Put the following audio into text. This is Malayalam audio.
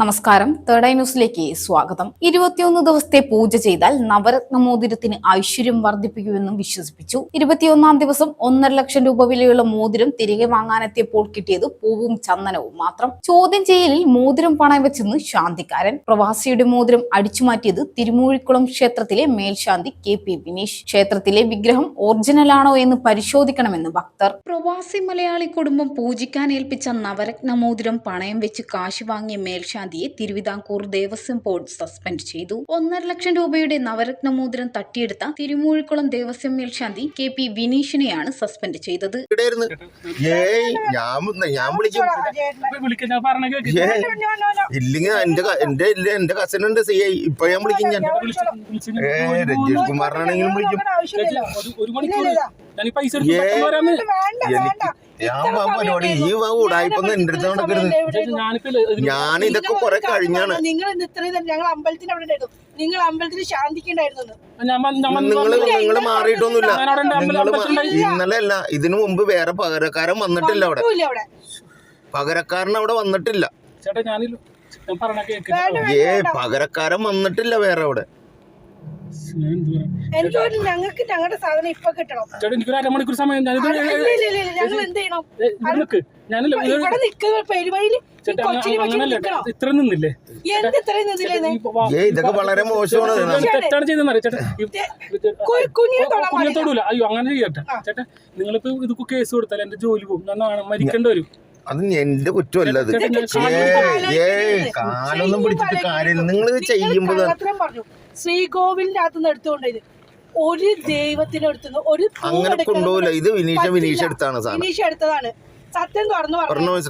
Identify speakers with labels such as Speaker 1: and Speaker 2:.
Speaker 1: നമസ്കാരം. തേർഡ് ഐ ന്യൂസിലേക്ക് സ്വാഗതം. 21 ദിവസത്തെ പൂജ ചെയ്താൽ നവരത്ന മോതിരത്തിന് ഐശ്വര്യം വർദ്ധിപ്പിക്കുമെന്നും വിശ്വസിപ്പിച്ചു. 21 ദിവസം 1.5 ലക്ഷം രൂപ വിലയുള്ള മോതിരം തിരികെ വാങ്ങാനെത്തിയപ്പോൾ കിട്ടിയത് പൂവും ചന്ദനവും മാത്രം. ചോദ്യം ചെയ്യലിൽ മോതിരം പണയം വെച്ചെന്ന് ശാന്തിക്കാരൻ. പ്രവാസിയുടെ മോതിരം അടിച്ചുമാറ്റിയത് തിരുമൂഴിക്കുളം ക്ഷേത്രത്തിലെ മേൽശാന്തി KP വിനീഷ്. ക്ഷേത്രത്തിലെ വിഗ്രഹം ഒറിജിനലാണോ എന്ന് പരിശോധിക്കണമെന്ന് ഭക്തർ. പ്രവാസി മലയാളി കുടുംബം പൂജിക്കാൻ ഏൽപ്പിച്ച നവരത്ന മോതിരം പണയം വെച്ച് കാശ് വാങ്ങിയ മേൽശാന്തി തിരുവിതാംകൂർ ദേവസ്വം ബോർഡ് സസ്പെൻഡ് ചെയ്തു. 1.5 ലക്ഷം രൂപയുടെ നവരത്ന മോതിരം തട്ടിയെടുത്ത തിരുമൂഴിക്കുളം ദേവസ്വം മേൽശാന്തി KP വിനീഷിനെയാണ് സസ്പെൻഡ് ചെയ്തത്.
Speaker 2: എന്റെ കസിൻ ഉണ്ട് CI. ഇപ്പൊ ഞാൻ വിളിക്കും. ഞാൻ രജീഷ് കുമാറിനാണെങ്കിലും വിളിക്കും. പരിപാടി ഈ ഉടായിപ്പൊന്നും എന്റെ അടുത്ത് നടക്കരുത്. ഞാൻ ഇതൊക്കെ കുറെ കഴിഞ്ഞാണ്. നിങ്ങള് മാറിയിട്ടൊന്നുമില്ല. ഇന്നലെ അല്ല, ഇതിനു മുമ്പ് വേറെ പകരക്കാരൻ വന്നിട്ടില്ല അവിടെ. പകരക്കാരൻ അവിടെ വന്നിട്ടില്ല. പകരക്കാരൻ വന്നിട്ടില്ല വേറെ അവിടെ.
Speaker 3: ഞങ്ങൾക്ക് ഞങ്ങളുടെ സാധനം ഇപ്പൊ കിട്ടണം.
Speaker 4: എനിക്കൊരു അരമണിക്കൂർ സമയം
Speaker 3: ഞങ്ങൾ എന്ത് ചെയ്യണം? ഇവിടെ നിൽക്കുന്ന പെരുവഴിയിൽ
Speaker 4: ഇത്ര നിന്നില്ലേ?
Speaker 3: എന്ത് ഇത്രയും നിന്നില്ലേ?
Speaker 2: ഇതൊക്കെ വളരെ മോശമാണ്.
Speaker 4: തെറ്റാണ് ചെയ്തെന്നറിയാം കുഞ്ഞത്തോടൂല. അയ്യോ അങ്ങനെ ചെയ്യട്ടെ ചേട്ടാ. നിങ്ങളിപ്പോ ഇത് കേസ് കൊടുത്താൽ എന്റെ ജോലി പോകും. ഞാൻ മരിക്കേണ്ടി വരും.
Speaker 2: അത് എന്റെ കുറ്റമല്ല. അത് കാലൊന്നും പിടിച്ചിട്ട് കാര്യമില്ല. നിങ്ങൾ ഇത് ചെയ്യുമ്പോ
Speaker 3: പറഞ്ഞു ശ്രീകോവിലിന്റെ അകത്തുനിന്ന് എടുത്തുകൊണ്ടത് ഒരു ദൈവത്തിന് എടുത്തുന്നു. ഒരു
Speaker 2: അങ്ങനെ കൊണ്ടുപോകില്ല. ഇത് വിനീഷ് എടുത്താണ്.
Speaker 3: വിനീഷ് എടുത്തതാണ്. സത്യം തുറന്നു പറഞ്ഞു.